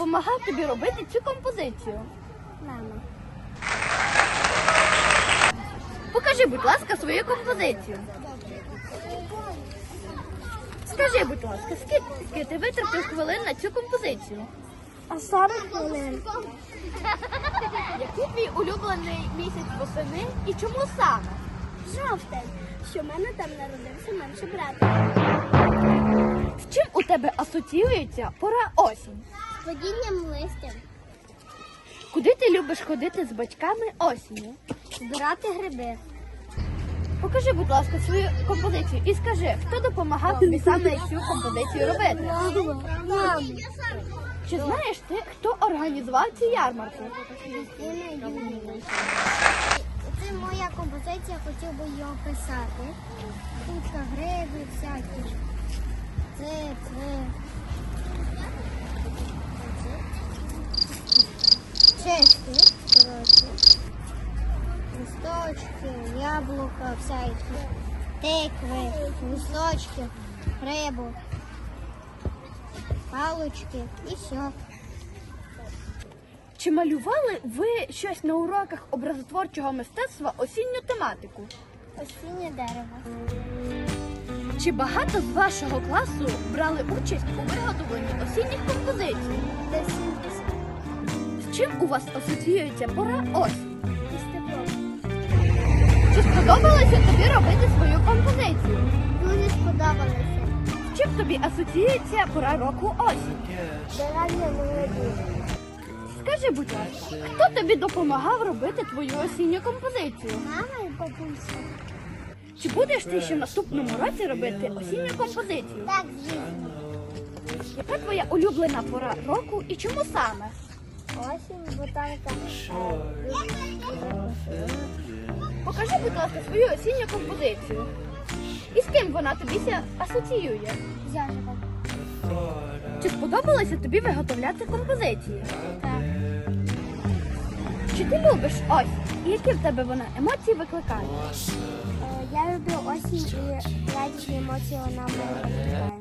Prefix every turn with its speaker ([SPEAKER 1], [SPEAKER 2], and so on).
[SPEAKER 1] допомагав тобі робити цю композицію?
[SPEAKER 2] Мама.
[SPEAKER 1] Покажи, будь ласка, свою композицію. Скажи, будь ласка, скільки ти витратив хвилин на цю композицію?
[SPEAKER 2] А 40 хвилин.
[SPEAKER 1] Який твій улюблений місяць восени і чому саме?
[SPEAKER 2] Жовтень, що в мене там народився менший брат.
[SPEAKER 1] З чим у тебе асоціюється пора осінь?
[SPEAKER 2] З падінням листя.
[SPEAKER 1] Куди ти любиш ходити з батьками осінню?
[SPEAKER 2] Збирати гриби.
[SPEAKER 1] Покажи, будь ласка, свою композицію і скажи, хто допомагав тобі саме цю композицію робити?
[SPEAKER 2] Мама.
[SPEAKER 1] Чи знаєш ти, хто організував цю ярмарку?
[SPEAKER 2] Це моя композиція, хотів би її описати. Тут гриби всякі. Це. Чешки, листочки, яблука всякі, тикви, листочки, рибу, палочки і все.
[SPEAKER 1] Чи малювали ви щось на уроках образотворчого мистецтва осінню тематику?
[SPEAKER 2] Осіннє дерево.
[SPEAKER 1] Чи багато з вашого класу брали участь у виготовленні осінніх композицій?
[SPEAKER 2] Десь 70.
[SPEAKER 1] З чим у вас асоціюється пора осінь?
[SPEAKER 2] Із теплом.
[SPEAKER 1] Чи сподобалося тобі робити свою композицію?
[SPEAKER 2] Дуже сподобалося.
[SPEAKER 1] З чим тобі асоціюється пора року осінь?
[SPEAKER 2] Дерев'я молоді.
[SPEAKER 1] Скажи, будь ласка, хто тобі допомагав робити твою осінню композицію?
[SPEAKER 2] Мама і бабуся.
[SPEAKER 1] Чи будеш ти ще в наступному році робити осінню композицію?
[SPEAKER 2] Так, звісно.
[SPEAKER 1] Яка твоя улюблена пора року і чому саме?
[SPEAKER 2] Осінь, ботанка.
[SPEAKER 1] Покажи, будь ласка, свою осінню композицію. І з ким вона тобі асоціює?
[SPEAKER 2] Зяжева.
[SPEAKER 1] Чи сподобалося тобі виготовляти композиції?
[SPEAKER 2] Так.
[SPEAKER 1] Чи ти любиш осінь? І які в тебе вона емоції викликає?
[SPEAKER 2] Я люблю осінь і радісні емоції вона в мене викликає.